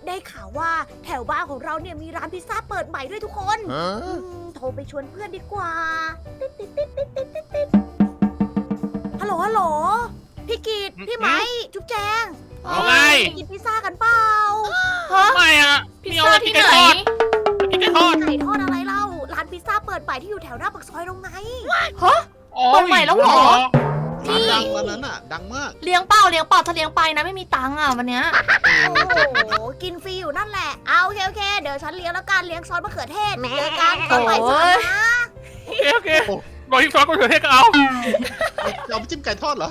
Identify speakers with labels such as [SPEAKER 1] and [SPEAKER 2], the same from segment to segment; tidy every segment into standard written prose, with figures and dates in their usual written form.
[SPEAKER 1] ได้ข่าวว่าแถวบ้านของเราเนี่ยมีร้านพิซซ่าเปิดใหม่ด้วยทุกคน โทรไปชวนเพื่อนดีกว่าติ๊ดฮัลโหลฮัลโหลพี่กีดพี่ไหมจุ๊บแจง
[SPEAKER 2] เอาไง
[SPEAKER 1] ไปกินพิซซ่ากันเปล่า
[SPEAKER 2] ไม่อะ
[SPEAKER 3] พิซซ่าที่ไหน
[SPEAKER 2] กินไก่ทอด
[SPEAKER 1] ไก่ทอดอะไรเล่าร้านพิซซ่าเปิดใหม่ที่อยู่แถวหน้าปากซอยตรงไหน
[SPEAKER 3] เปิดใหม่แล้วเหรอ
[SPEAKER 4] ร้านดังร้านนั้นอ่ะ ดังมาก
[SPEAKER 3] เลี้ยงเปล่าถ้าเลี้ยงไปนะไม่มีตังค์อ่ะวันเนี้ย
[SPEAKER 1] โอ้โหกินฟรีอยู่นั่นแหละเอาโอเคเดี๋ยวฉันเลี้ยงแล้วกันเลี้ยงซอสมะเขือเทศเจอกันตอนบ่ายสามนะ
[SPEAKER 2] โอเครอยิงซอสก็เถื่อนเทศก็เอา
[SPEAKER 4] จะเอาไปจิ้มไก่ทอดเหรอ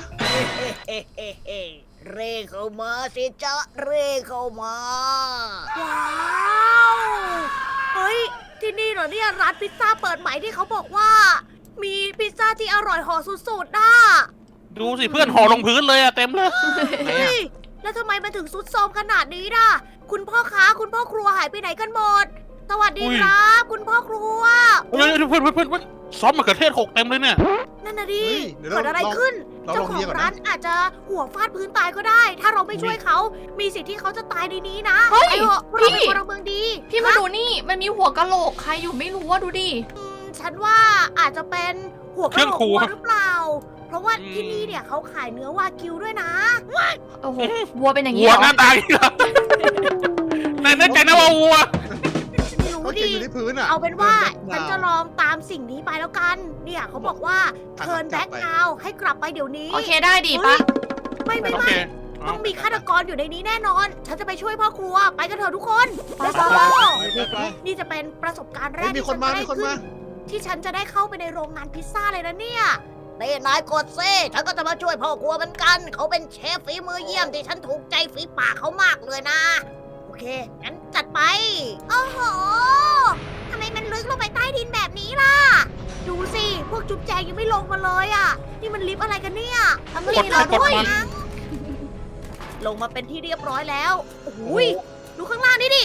[SPEAKER 1] เร่เข้ามาสิจ๊ะเร่เข้ามาว้าวเฮ้ยที่นี่เหรอเนี่ยร้านพิซซ่าเปิดใหม่ที่เขาบอกว่า มีพิซซ่าที่อร่อยห่อสุดๆน่ะ
[SPEAKER 2] ดูสิเพื่อนห่อลงพื้นเลยอะเต็มเลย
[SPEAKER 1] เฮ้ยแล้วทำไมมันถึงซุดโทรมขนาดนี้ล่ะคุณพ่อค้าคุณพ่อครัวหายไปไหนกันหมด สวัสดีครับ คุณพ่อครัว
[SPEAKER 2] เฮ้ยเพื่อนซอสมะเขือเทศหกเต็มเลยเนี่ย
[SPEAKER 1] นั่นน่ะดิ
[SPEAKER 4] เฮ้ยเดี๋ยว
[SPEAKER 1] เกิดอะไรขึ้น
[SPEAKER 4] เรา
[SPEAKER 1] เจ้า
[SPEAKER 4] ลอง
[SPEAKER 1] ขอ
[SPEAKER 4] เรีย
[SPEAKER 1] ง
[SPEAKER 4] กก่อน
[SPEAKER 1] ร้า
[SPEAKER 4] นะ
[SPEAKER 1] นอาจจะหัวฟาดพื้นตายก็ได้ ถ้าเราไม่ช่วยเขา มีสิทธิ์ที่เขาจะตายในนี้นะ
[SPEAKER 3] เฮ้ย
[SPEAKER 1] ไอ้เหอะพวกเราเป็นพลเมืองดี
[SPEAKER 3] พี่มาดูนี่มันมีหัวกะโหลกใครอยู่ไม่รู้ว่าดูดิ
[SPEAKER 1] ฉันว่าอาจจะเป็นหัวกระโหลกวัวหรือเปล่า เพราะว่าที่นี่เนี่ยเขาขายเนื้อวากิวด้วยนะ
[SPEAKER 3] โอ้โหวัวเป็นอย่างนี้
[SPEAKER 2] วัว
[SPEAKER 3] เหรอ
[SPEAKER 2] หน้าตาอย่างนี้เหรอในแน่ใจนะว่าวัว
[SPEAKER 1] ไม่รู้
[SPEAKER 4] เขา
[SPEAKER 1] ดิ
[SPEAKER 4] เขียนอยู่ที่พื้นอ่ะ
[SPEAKER 1] เอาเป็นว่า
[SPEAKER 4] ดิ
[SPEAKER 1] ฉันจะลองตามสิ่งนี้ไปแล้วกัน เนี่ยเขาบอกว่าเทิร์นแบ็กนาวให้กลับไปเดี๋ยวนี้
[SPEAKER 3] โอเคได้ดิปะ
[SPEAKER 1] ไม่
[SPEAKER 2] โอเค
[SPEAKER 1] ต้องมีฆาตกรอยู่ในนี้แน่นอน ฉันจะไปช่วยพ่อครัว ไปกันเถอะทุกคน
[SPEAKER 3] ไป
[SPEAKER 1] Let's
[SPEAKER 3] ไป
[SPEAKER 1] go
[SPEAKER 4] ไป
[SPEAKER 1] นี่จะเป็นประสบการณ์แร
[SPEAKER 4] เฮ้ย
[SPEAKER 1] ก
[SPEAKER 4] มีคนมา มีคนมา
[SPEAKER 1] ที่ฉันจะได้เข้าไปในโรงงานพิซซ่าเลยนะเนี่ยเต้นายกดเซ่ฉันก็จะมาช่วยพ่อครัวเหมือนกัน เขาเป็นเชฟฝีมือเยี่ยมที่ฉันถูกใจฝีปากเขามากเลยนะ โอเค งั้นจัดไป โอ้โหทำไมมันลึกลงไปใต้ดินแบบนี้ล่ะ ดูสิ พวกจุ๊บแจงยังไม่ลงมาเลยอ่ะ นี่มันลิฟต์อะไรกันเนี่ย
[SPEAKER 3] ทำดีเราด้วย
[SPEAKER 1] ลงมาเป็นที่เรียบร้อยแล้ว โอ้โหยดูข้างล่างนี่ดิ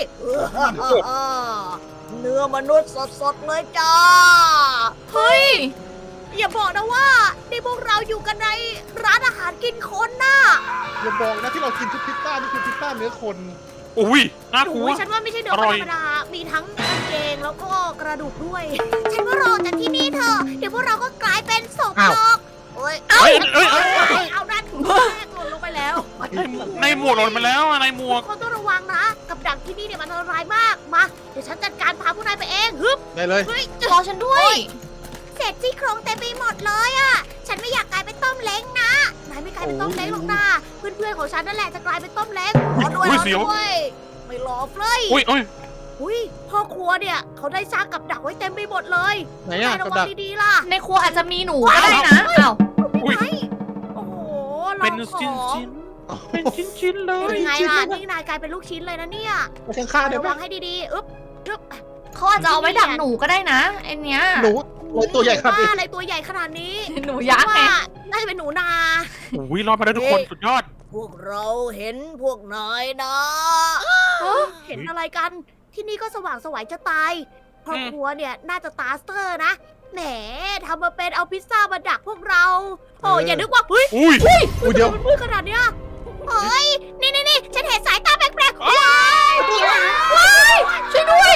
[SPEAKER 1] เนื้อมนุษย์สดๆเลยจ้า
[SPEAKER 3] เฮ้ย
[SPEAKER 1] อย่าบอกนะว่านี่พวกเราอยู่กันในร้านอาหารกินคนน่ะ
[SPEAKER 4] อย่าบอกนะที่เรากินทุกพิซซ่านี่คือพิซซ่าเนื้อคน
[SPEAKER 2] อุ้ยน่ากลัว
[SPEAKER 1] โอ้ยฉันว่าไม่ใช่เนื้อ
[SPEAKER 2] อ
[SPEAKER 1] ธ
[SPEAKER 2] ร่
[SPEAKER 1] ร
[SPEAKER 2] อย
[SPEAKER 1] รมดา มีทั้งกางเกงแล้วก็กระดูกด้วย ฉันว่ารอจากที่นี่เถอะ เดี๋ยวพวกเราก็กลายเป็นศพหรอกโอ้ย
[SPEAKER 2] เอ้ย
[SPEAKER 1] เอาด้านแรกหล่นลงไปแล้ว
[SPEAKER 2] ในหมวกหล่นมาแล้วอะในหมวก
[SPEAKER 1] คนต้องระวังนะ กับดักที่นี่เนี่ยมันอันตรายมาก มา เดี๋ยวฉันจัดการพาผู้นายไปเองฮึบ
[SPEAKER 4] ได้เลย
[SPEAKER 1] เฮ้ย
[SPEAKER 3] รอฉันด้วย
[SPEAKER 1] เศษซี่โครงเต็มไปหมดเลยอะฉันไม่อยากกลายเป็นต้มเล้งนะ นายไม่กลายเป็นต้มเล้งหรอกนะเพื่อนๆของฉันนั่นแหละจะกลายเป็นต้มเล้งรอด้วย
[SPEAKER 2] อุ้
[SPEAKER 1] ร
[SPEAKER 2] ย
[SPEAKER 1] อ
[SPEAKER 2] เสียว
[SPEAKER 1] ด้วยไม่รอเฟ้ย
[SPEAKER 2] อุ้ย
[SPEAKER 1] อุ้ยพ่อครัวเนี่ยเขาได้สร้างกับดักไว้เต็มไปหมดเลย
[SPEAKER 4] ไหน
[SPEAKER 1] นา
[SPEAKER 4] อ่ะ
[SPEAKER 1] ยระ
[SPEAKER 4] กระ
[SPEAKER 1] วั
[SPEAKER 4] ดั
[SPEAKER 1] ง
[SPEAKER 4] ก
[SPEAKER 1] ดีๆล่ะ
[SPEAKER 3] ในครัวอาจจะมีหนูก็ได้นะอ้าว
[SPEAKER 2] อุ้ย
[SPEAKER 1] ไม่โอ้โหล
[SPEAKER 2] เป็
[SPEAKER 1] อน งข
[SPEAKER 2] ชิ้น
[SPEAKER 1] อง
[SPEAKER 2] เป็นชิ้นๆเล
[SPEAKER 1] เป็
[SPEAKER 2] ย
[SPEAKER 1] นไงล่ะนี่นายกลายเป็นลูกชิ้นเลยนะเนี่ย
[SPEAKER 4] ไปข้างๆได้
[SPEAKER 1] ระ
[SPEAKER 4] ไหม
[SPEAKER 1] วังให้ดีๆอึ๊บอึ๊บ
[SPEAKER 3] เขาอาจจะเอาไว้ดักหนูก็ได้นะไอเนี้ย
[SPEAKER 4] หนูตัวใหญ่ขนาดนี้
[SPEAKER 1] อะไรตัวใหญ่ขนาดนี้
[SPEAKER 3] หนูยักษ์ไง
[SPEAKER 1] ว่าน่าจะเป็นหนูนา
[SPEAKER 2] อุ้ยรอดมาได้ทุกคนสุดยอด
[SPEAKER 1] พวกเราเห็นพวกนายนะ เห็นอะไรกัน ที่นี่ก็สว่างไสวยจะตายครอบครัวเนี่ยน่าจะตาสเตอร์นะ แหมทำมาเป็นเอาพิซซ่ามาดักพวกเรา โอ้อย่านึกว่าเฮ้ย
[SPEAKER 2] อุ้ย
[SPEAKER 4] อุ้ยเดี๋ยว
[SPEAKER 1] มันมืดขนาดเนี้ยเฮ้ย นี่ฉันเห็นสายตาแปลกๆว้ายว้ายช่วยด้วย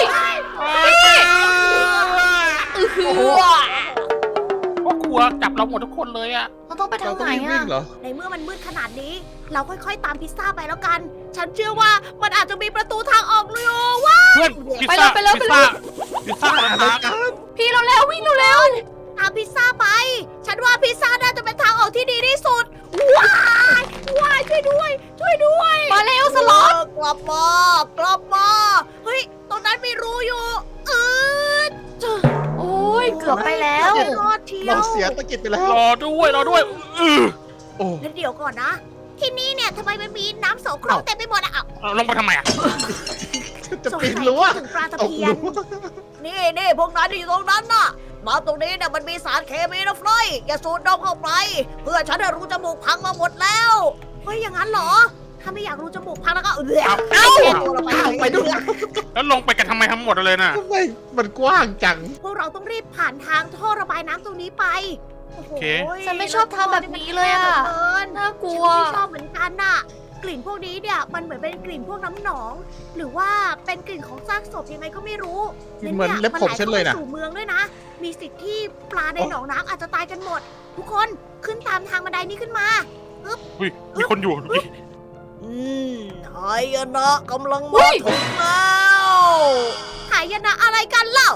[SPEAKER 2] พวกกลัวจับเราหมดทุกคนเลยอะ
[SPEAKER 3] เราต้องไป
[SPEAKER 4] เรา
[SPEAKER 3] ทาง
[SPEAKER 4] ต้
[SPEAKER 3] ไห
[SPEAKER 4] อน งรีบ
[SPEAKER 3] อ่ะ
[SPEAKER 4] วิ่งเหรอ
[SPEAKER 1] ในเมื่อมันมืดขนาดนี้ เราค่อยๆตามพิซซ่าไปแล้วกัน ฉันเชื่อว่ามันอาจจะมีประตูทางออกเลยว้า
[SPEAKER 2] เพื่อนพิซซ่าพิซซ่าอะไรนะ
[SPEAKER 3] พี่เราแล้ววิ่งเร็ว
[SPEAKER 1] ตามพิซซ่าไป ฉันว่าพิซซ่าน่าจะเป็นทางออกที่ดีที่สุด ว้ายว้ายช่วยด้วย ช่วยด้วย
[SPEAKER 3] มาเร็วสล็อต
[SPEAKER 1] กลับมา กลับมา เฮ้ย ตรงนั้นมีรูอยู่ด
[SPEAKER 3] โอ้ยเกือบไปแล้ว
[SPEAKER 1] รอดเชีย
[SPEAKER 4] เรา
[SPEAKER 1] ว
[SPEAKER 4] เสียตะกิดไปแล้ว
[SPEAKER 2] รอด้วยอือ
[SPEAKER 4] โอ้
[SPEAKER 1] แล้วเดี๋ยวก่อนนะ ที่นี่เนี่ยทำไมมันมีน้ำโสโครกเต็มไปหมดอะอ้าว
[SPEAKER 2] ลงไปทำไมอะ
[SPEAKER 4] จะ
[SPEAKER 1] สง
[SPEAKER 4] ปี
[SPEAKER 1] สั
[SPEAKER 4] น
[SPEAKER 1] ย
[SPEAKER 4] รั้ว
[SPEAKER 1] คิดถึงปลาตะ
[SPEAKER 4] ตก
[SPEAKER 1] เพีย
[SPEAKER 4] รั้
[SPEAKER 1] น
[SPEAKER 4] ว
[SPEAKER 1] นี่พวกนั้นที่อยู่ตรงนั้นน่ะ มาตรงนี้เนี่ยมันมีสารเคมีนะเฟลอยอย่าสูดดมเข้าไป เพื่อฉันจะรูจมูกพังมาหมดแล้ว เฮ้ย อย่างนั้นเหรอ ถ้าไม่อยากรูจมูกพังแล้วก็เอ้าตัวเราไป
[SPEAKER 4] ไปด้วย
[SPEAKER 2] แล้วลงไปกันทำไมทั้งหมดเลยน่ะ
[SPEAKER 4] ทำไมมันกว้างจัง
[SPEAKER 1] พวกเราต้องรีบผ่านทางท่อระบายน้ำตรงนี้ไปโอ้โห
[SPEAKER 3] ฉันไม่ชอบทำแบบนี้เลยอะ
[SPEAKER 1] แล้วท่อ
[SPEAKER 3] น่าก
[SPEAKER 1] นี่
[SPEAKER 3] ลั
[SPEAKER 1] มัน
[SPEAKER 3] ว
[SPEAKER 1] แคบเหลือเกินฉันก็ไม่ชอบเหมือนกันน่ะกลิ่นพวกนี้เนี่ยมันเหมือนเป็นกลิ่นพวกน้ำหนอง หรือว่าเป็นกลิ่นของซากศพยังไงก็ไม่รู้
[SPEAKER 4] เหมือนเล็บผมฉันเลยนะ
[SPEAKER 1] มัไหข้าสู่เมืองด้วยนะ มีสิทธิ์ที่ปลาในหนองน้ำอาจจะตายกันหมด ทุกคนขึ้นตามทางบันไดนี้ขึ้นมา
[SPEAKER 2] อุ้ยมีคนอยู่ดูดิ
[SPEAKER 1] หายนะกำลังมาถึงแล้วหายนะอะไรกันเล่า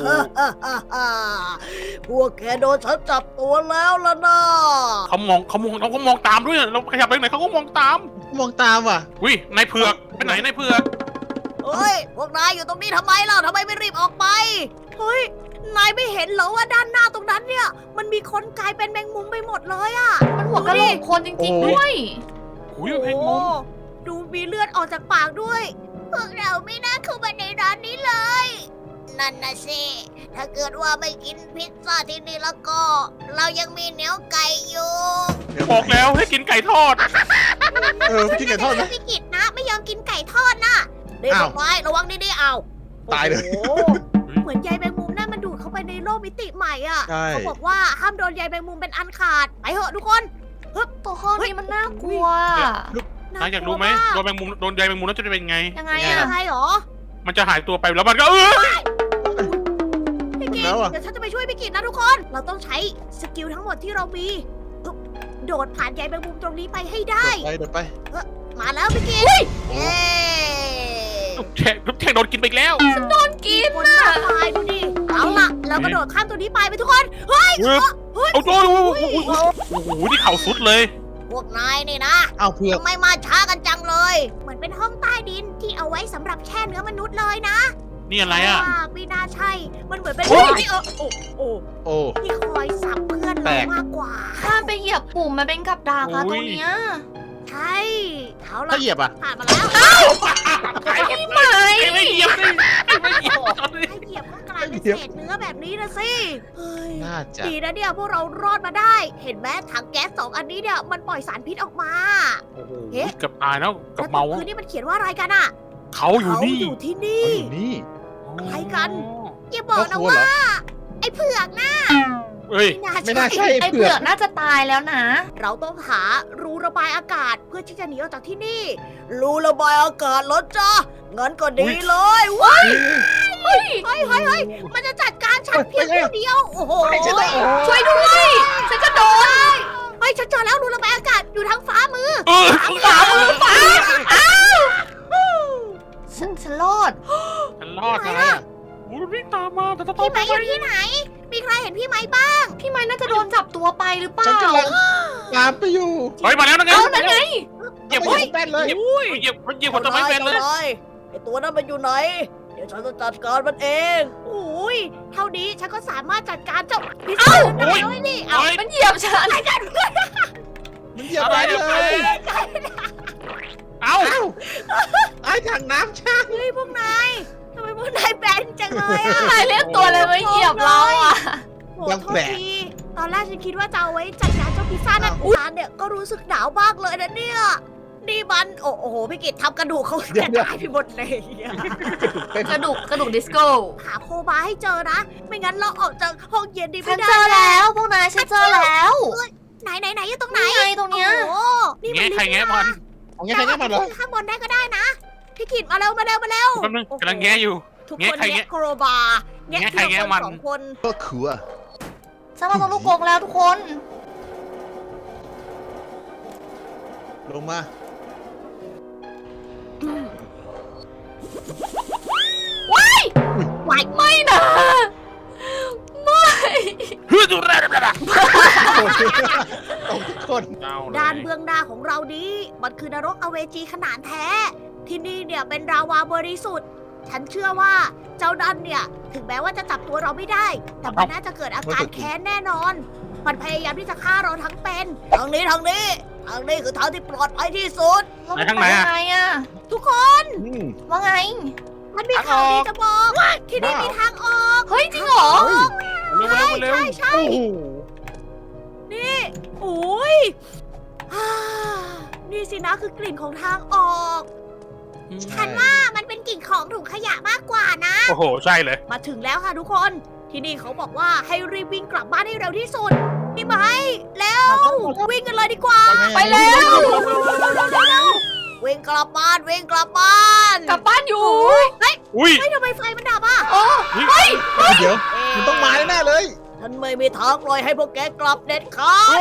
[SPEAKER 1] พวกแกโดนฉันจับตัวแล้วล่ะนะ
[SPEAKER 2] เขามองตามด้วยเราขยับไปไหนเขาก็มองตาม
[SPEAKER 4] มองตามว่ะ
[SPEAKER 2] อุ้ยนายเผือกไปไหนนายเผือก
[SPEAKER 1] เฮ้ยพวกนายอยู่ตรงนี้ทำไมเล่าทำไมไม่รีบออกไปเฮ้ยนายไม่เห็นเหรอว่าด้านหน้าตรงนั้นเนี่ยมันมีคนกลายเป็นแมงมุมไปหมดเลยอะ
[SPEAKER 3] มันหัวกะโหลกคนจริงๆด้วย
[SPEAKER 2] อุ้ยเพลงมุม
[SPEAKER 1] ดูมีเลือดออกจากปากด้วย พวกเราไม่น่าเข้ามาในร้านนี้เลย นั่นนะสิ ถ้าเกิดว่าไม่กินพิซซ่าที่นี่แล้วก็ เรายังมีเนื้อไก่อยู่
[SPEAKER 2] บอกแล้วให้กินไก่ทอด
[SPEAKER 4] พี่กินไก่ทอดไหม
[SPEAKER 1] พี่กิจนะ ไม่ยอมกินไก่ทอดนะเด็ก
[SPEAKER 4] อ้าว
[SPEAKER 1] ไว้ระวังดีๆเอา
[SPEAKER 4] ตายเลย
[SPEAKER 1] โอ้โหเหมือนใยแมงมุมนั่นมันดูดเข้าไปในโลกมิติใหม่อ่ะ
[SPEAKER 4] ใช่
[SPEAKER 1] เขาบอกว่าห้ามโดนใยแมงมุมเป็นอันขาด ไปเถอะทุกคน
[SPEAKER 3] ตัวห้องนี้มันน่ากลัว
[SPEAKER 2] นายอยากรู้ไหมโดนแมงมุมโดนใยแมงมุมแล้วจะเป็นไง
[SPEAKER 3] ยังไง
[SPEAKER 1] ยั
[SPEAKER 3] อะ
[SPEAKER 1] งไงหรอ
[SPEAKER 2] มันจะหายตัวไปแล้วมันก็
[SPEAKER 1] พี่กิจ
[SPEAKER 4] แล้วอะ
[SPEAKER 1] เดี๋ยวฉันจะไปช่วยพี่กิจนะทุกคน เราต้องใช้สกิลทั้งหมดที่เรามีอึ๊บโดดผ่านใยแมงมุมตรงนี้ไปให้ได้
[SPEAKER 4] เดินไป
[SPEAKER 1] มาแล้วพี่กิจเย้
[SPEAKER 2] ทุกแท่งโดนกินไปอีกแล้ว
[SPEAKER 3] โดนกิน
[SPEAKER 1] คน
[SPEAKER 3] น่ะ
[SPEAKER 1] มากมายดูดิ เอาล่ะ เรากระโดดข้ามตัวนี้ไปทุกคน เฮ้ย
[SPEAKER 2] เอาโอ้โหนี่เข่าสุดเลย
[SPEAKER 1] พวกนายนี่นะ
[SPEAKER 4] เอาเผือก
[SPEAKER 1] ทำไมมาช้ากันจังเลย เหมือนเป็นห้องใต้ดินที่เอาไว้สำหรับแช่เนื้อมนุษย์เลยนะ
[SPEAKER 2] นี่อะไรอ่ะ
[SPEAKER 1] ไม่น่าใช่ มันเหมือนเป็น
[SPEAKER 2] โอ้ย
[SPEAKER 1] ที่โอ้
[SPEAKER 4] โอ้
[SPEAKER 1] ที่คอยสับเพื่อน
[SPEAKER 4] แปล
[SPEAKER 1] เรา
[SPEAKER 4] ก
[SPEAKER 1] มากกว่า
[SPEAKER 3] ถ้าไปเหยียบปุ่มมันเป็นกับดักอะตรงเนี้ย
[SPEAKER 1] ใช่เอาล่ะ
[SPEAKER 4] ถ้าเหยียบอ่ะ
[SPEAKER 1] ผ่านมาแล้ว
[SPEAKER 3] พี่ไหม
[SPEAKER 2] ไม่เหยียบเลยไม่เหยียบ
[SPEAKER 1] ให้เหยียบก็กลายเป็นเศษเนื้อแบบนี้นะสิเฮ้ย
[SPEAKER 4] น่าจะ
[SPEAKER 1] ดีนะเนี่ยพวกเรารอดมาได้ เห็นไหมถังแก๊ส2 อันนี้เนี่ยมันปล่อยสารพิษออกมา
[SPEAKER 2] โอ้โห
[SPEAKER 1] เอ๊ะ
[SPEAKER 2] เกือบตายแล้วเกับ
[SPEAKER 1] แล้วต
[SPEAKER 2] เมา
[SPEAKER 1] รงพื้นนี่มันเขียนว่าอะไรกันอะ
[SPEAKER 2] เขาอยู่
[SPEAKER 1] เขา
[SPEAKER 2] นี่
[SPEAKER 1] อยู่ที่
[SPEAKER 4] เขา
[SPEAKER 1] นี่
[SPEAKER 4] อยู่นี่
[SPEAKER 1] อะไรกัน อย่าบอกนะ
[SPEAKER 4] ครอบครัวเหร
[SPEAKER 1] ว่า
[SPEAKER 4] อ
[SPEAKER 1] ไอ้เผือกนะ
[SPEAKER 2] เฮ้ย
[SPEAKER 4] ไม่น่าใช่
[SPEAKER 3] ไอ
[SPEAKER 4] เผื
[SPEAKER 3] เผื
[SPEAKER 4] อ
[SPEAKER 3] อก กน่าจะตายแล้วนะ
[SPEAKER 1] เราต้องหารูระบายอากาศเพื่อที่จะหนีออกจากที่นี่ รูระบายอากาศเหรอจ๊ะงั้นก็ดีเลยว้ายเฮ้ยมันจะจัดการฉันเพียงผู้เดียว โอ้โห
[SPEAKER 3] ช่วยด้วย ฉันจะโดน
[SPEAKER 1] เฮ้ยฉันเจอแล้วรูระบายอากาศอยู่ทางฟ้ามือ
[SPEAKER 3] ฝ่ามือฟ้าฉันรอด
[SPEAKER 2] ฉันรอด
[SPEAKER 1] ไหน
[SPEAKER 2] นะ
[SPEAKER 1] อะ
[SPEAKER 2] โอ้ยวิ่งตามมาแต่ต้อง
[SPEAKER 1] พี่ไม้อยู่ที่ไหน มีใครเห็นพี่ไม้บ้าง
[SPEAKER 3] พี่ไม้น่าจะโดนจับตัวไปหรือเป
[SPEAKER 4] ฉัน
[SPEAKER 3] ล่า
[SPEAKER 4] กำลังตามไปอยู่
[SPEAKER 2] เฮ้ยมาแล้วนะไง
[SPEAKER 3] เอานั่นไง
[SPEAKER 2] เหยียบ
[SPEAKER 4] ไม่
[SPEAKER 2] หัว
[SPEAKER 4] เห็นแป้นเลย
[SPEAKER 2] เหยียบหัวต้นไม้เป็นเลย
[SPEAKER 1] ไอตัวนั้นมันอยู่ไหน เดี๋ยวฉันจะจัดการมันเองโอ้ยเท่านี้ฉันก็สามารถจัดการเจ้าพิษได้แล้วนี่เอา
[SPEAKER 2] เฮ้ย
[SPEAKER 3] มันเหยียบฉัน
[SPEAKER 4] มันเหยียบไปเลย
[SPEAKER 2] เอ้า
[SPEAKER 4] ไอ้ถังน้ำช่าง
[SPEAKER 1] เฮ้ยพวกนายทำไมพวกนายแบนจังเลยอะ
[SPEAKER 3] นายเรียกตัวเลยมาเหยียบเราอ่ะ
[SPEAKER 1] โหโทษทีตอนแรกฉันคิดว่าจะเอาไว้จัดการเจ้าพิซซ่านั่นร้านเนี่ยก็รู้สึกหนาวมากเลยนะเนี่ย นี่มันโอ้โหพี่กิตทำกระดูกเขากระจายไปหมดเลยอะ
[SPEAKER 3] กระดูกดิสโก้
[SPEAKER 1] หาโคบาให้เจอนะ ไม่งั้นเราออกจากห้องเย็นดี
[SPEAKER 3] ฉั
[SPEAKER 1] ไม่
[SPEAKER 3] น
[SPEAKER 1] ได้
[SPEAKER 3] เจอแล้วพวกนายฉันเจอแล้ว
[SPEAKER 1] ไหนอยู่ตรงไหน
[SPEAKER 3] นี่ไงตรงเนี้ย
[SPEAKER 1] โอ้โหนี่มัน
[SPEAKER 2] แงะใครแงะมัน
[SPEAKER 4] เอาไงใครแง่มันเหรอ
[SPEAKER 1] ข้างบนได้ก็ได้นะ พี่กิตมาเร็ว
[SPEAKER 2] แป๊บนึงกำลังแงะอยู่
[SPEAKER 1] ทุก
[SPEAKER 2] แงะ
[SPEAKER 1] คน
[SPEAKER 2] ใครแงะ
[SPEAKER 1] แงะโครบาแงะ
[SPEAKER 2] แงะใคร
[SPEAKER 1] ทีละ
[SPEAKER 2] แงะ
[SPEAKER 1] คน
[SPEAKER 2] มัน
[SPEAKER 1] สองคน
[SPEAKER 4] ก็คือ
[SPEAKER 3] ฉันมาตรงลูกกรงแล้วทุกคน
[SPEAKER 4] ลงมา
[SPEAKER 3] ไม่นะไม่
[SPEAKER 2] เฮ้ยดูแล
[SPEAKER 4] ตกทุกคน
[SPEAKER 1] ด้านเบื้องหน้าของเรานี้ มันคือนรกอเวจีขนาดแท้ ที่นี่เนี่ยเป็นราวาบริสุทธิ์ ฉันเชื่อว่าเจ้าดันเนี่ย ถึงแม้ว่าจะจับตัวเราไม่ได้ แต่มันน่าจะเกิดอาการแค้นแน่นอน มันพยายามที่จะฆ่าเราทั้งเป็นทางนี้คือทางที่ปลอดภัยที่สุด
[SPEAKER 2] ไหนทางไหนอะ
[SPEAKER 3] ไงอะ
[SPEAKER 1] ทุกคน
[SPEAKER 3] ว่าไง
[SPEAKER 1] มันมีข่าวดีจะบอกที่นี่มีทางออก
[SPEAKER 3] เฮ้ยจริงเหรอ
[SPEAKER 2] เร็วเร็ว
[SPEAKER 1] ใช่
[SPEAKER 4] โอ้โห
[SPEAKER 1] นี่โอ้ยฮ่านี่สินะคือกลิ่นของทางออก ฉันว่ามันเป็นกลิ่นของถุงขยะมากกว่านะ
[SPEAKER 2] โอ้โหใช่เลย
[SPEAKER 1] มาถึงแล้วค่ะทุกคน ที่นี่เขาบอกว่าให้รีบวิ่งกลับบ้านให้เร็วที่สุดนี่ไหมแล้ววิ่งกันเลยดีกว่า
[SPEAKER 3] ไปแล้ว
[SPEAKER 1] เวิ่งกลับบ้านวิ่งกลับบ้าน
[SPEAKER 3] กลับบ้านอยู่
[SPEAKER 2] อุ้ย
[SPEAKER 1] เฮ้ยทำไมไฟมันดับอ่ะ
[SPEAKER 3] โอ้
[SPEAKER 4] เดี๋ยว มันต้องมาแน่ๆเลย
[SPEAKER 1] ฉันไม่มีทางปล่อยให้พวกแกกลับเด็ดขาด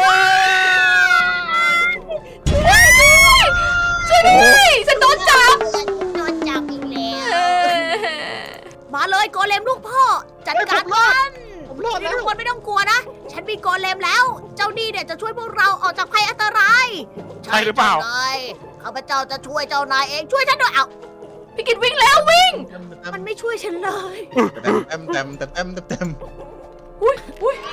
[SPEAKER 3] ช่วยด้วยฉันโดนจับ
[SPEAKER 1] โดนจับอีกแล้ว
[SPEAKER 3] เออ
[SPEAKER 1] มาเลยโกเลมลูกพ่อ จัดการมัน
[SPEAKER 4] ผมรอดแล้ว
[SPEAKER 1] ทุกคนไม่ต้องกลัวนะ ฉันมีโกเลมแล้ว เจ้านี่เนี่ยจะช่วยพวกเราออกจากภัยอันตราย
[SPEAKER 2] ใช่หรือเปล่า
[SPEAKER 1] จ้นายข้าพเจ้าจะช่วยเจ้านายเอง ช่วยฉันด้วยเอ้า
[SPEAKER 3] พี่กิดวิ่งแล้ววิ่ง
[SPEAKER 1] มันไม่ช่วยฉันเลย
[SPEAKER 4] เต็มเต็มเต็มเต็มเต็มเต็ม
[SPEAKER 3] อุ้ยอุ้ย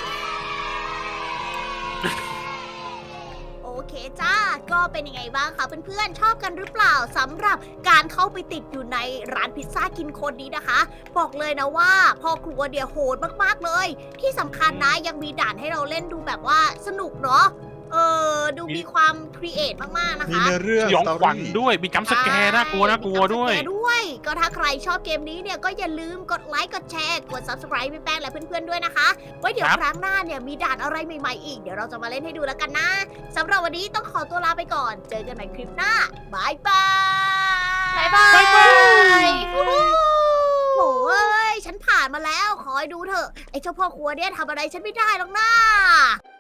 [SPEAKER 1] โอเคจ้า ก็เป็นยังไงบ้างคะเพื่อนๆชอบกันหรือเปล่าสำหรับการเข้าไปติดอยู่ในร้านพิซซ่ากินคนนี้นะคะ บอกเลยนะว่าพ่อครัวเดียโหดมากๆเลย ที่สำคัญนะยังมีด่านให้เราเล่นดูแบบว่าสนุกเนาะดูมีความครีเอทมากๆนะ
[SPEAKER 4] มี
[SPEAKER 1] คะ
[SPEAKER 4] เนื้อเรื่อง
[SPEAKER 2] สยอง
[SPEAKER 4] สต
[SPEAKER 2] ขวัญ
[SPEAKER 4] รี่
[SPEAKER 2] ด้วย มีจัมป์สแกร์น่ากลัวน่ากลัวด้วย
[SPEAKER 1] มีการสแกนด้วย ก็ถ้าใครชอบเกมนี้เนี่ยก็อย่าลืมกดไลค์กดแชร์กด subscribe พี่แป้งและเพื่อนๆด้วยนะคะ ไว้เดี๋ยว
[SPEAKER 2] ครับ
[SPEAKER 1] ครั้งหน้าเนี่ยมีด่านอะไรใหม่ๆอีกเดี๋ยวเราจะมาเล่นให้ดูแล้วกันนะสำหรับวันนี้ต้องขอตัวลาไปก่อน เจอกันใหม่คลิปหน้าบายบาย
[SPEAKER 3] บายบาย
[SPEAKER 2] บ๊ายบาย
[SPEAKER 1] โอ้ยฉันผ่านมาแล้วขอให้ดูเถอะไอ้เจ้าพ่อครัวเนี่ยทำอะไรฉันไม่ได้หรอกนะ